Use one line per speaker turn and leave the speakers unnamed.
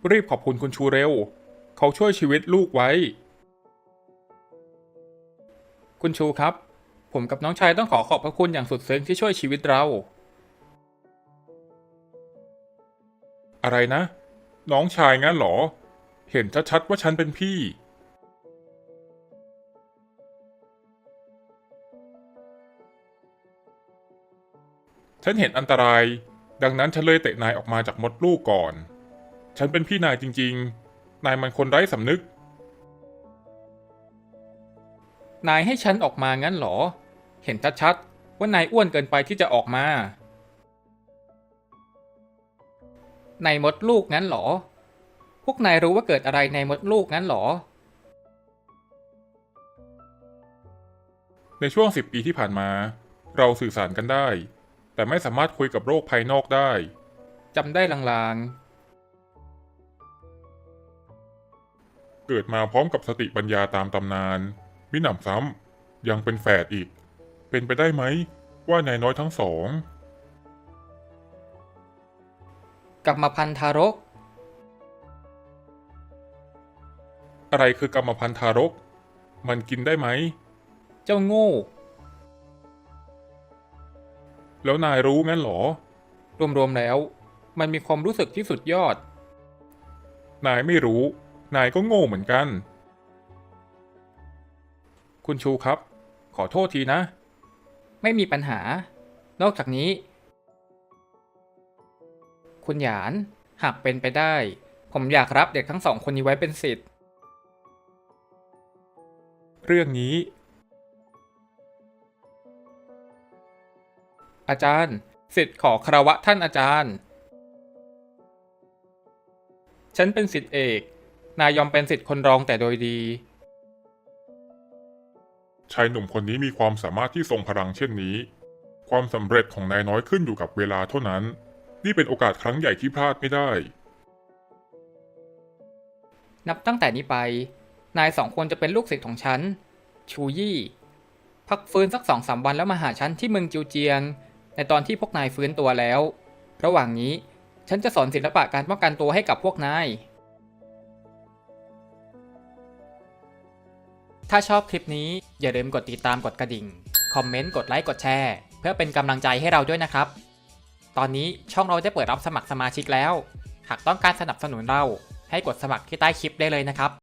รีบขอบคุณคุณชูเร็วเขาช่วยชีวิตลูกไว้คุณชูครับผมกับน้องชายต้องขอบพระคุณอย่างสุดซึ้งที่ช่วยชีวิตเราอะไรนะน้องชายงั้นเหรอเห็นชัดๆว่าฉันเป็นพี่ฉันเห็นอันตรายดังนั้นฉันเลยเตะนายออกมาจากมดลูกก่อนฉันเป็นพี่นายจริงๆนายมันคนไร้สำนึกนายให้ฉันออกมางั้นเหรอเห็นชัดๆว่านายอ้วนเกินไปที่จะออกมาในมดลูกงั้นเหรอพวกนายรู้ว่าเกิดอะไรในมดลูกงั้นเหรอในช่วง10 ปีที่ผ่านมาเราสื่อสารกันได้แต่ไม่สามารถคุยกับโลกภายนอกได้จำได้ลางๆเกิดมาพร้อมกับสติปัญญาตามตำนานมิหนำซ้ำยังเป็นแฝดอีกเป็นไปได้ไหมว่านายน้อยทั้งสองกรรมพันธุ์ทารกอะไรคือกรรมพันธุ์ทารกมันกินได้ไหมเจ้าโง่แล้วนายรู้งั้นเหรอรวมๆแล้วมันมีความรู้สึกที่สุดยอดนายไม่รู้นายก็โง่เหมือนกันคุณชูครับขอโทษทีนะไม่มีปัญหานอกจากนี้คุณหยานหากเป็นไปได้ผมอยากรับเด็กทั้งสองคนนี้ไว้เป็นศิษย์เรื่องนี้อาจารย์ศิษย์ขอคารวะท่านอาจารย์ฉันเป็นศิษย์เอกนายยอมเป็นศิษย์คนรองแต่โดยดีชายหนุ่มคนนี้มีความสามารถที่ทรงพลังเช่นนี้ความสำเร็จของนายน้อยขึ้นอยู่กับเวลาเท่านั้นนี่เป็นโอกาสครั้งใหญ่ที่พลาดไม่ได้นับตั้งแต่นี้ไปนายสองคนจะเป็นลูกศิษย์ของฉันชูยี่พักฟื้นสัก2-3 วันแล้วมาหาฉันที่เมืองจิวเจียงในตอนที่พวกนายฟื้นตัวแล้วระหว่างนี้ฉันจะสอนศิลปะการป้องกันตัวให้กับพวกนายถ้าชอบคลิปนี้อย่าลืมกดติดตามกดกระดิ่งคอมเมนต์กดไลค์กดแชร์เพื่อเป็นกำลังใจให้เราด้วยนะครับตอนนี้ช่องเราได้เปิดรับสมัครสมาชิกแล้วหากต้องการสนับสนุนเราให้กดสมัครที่ใต้คลิปได้เลยนะครับ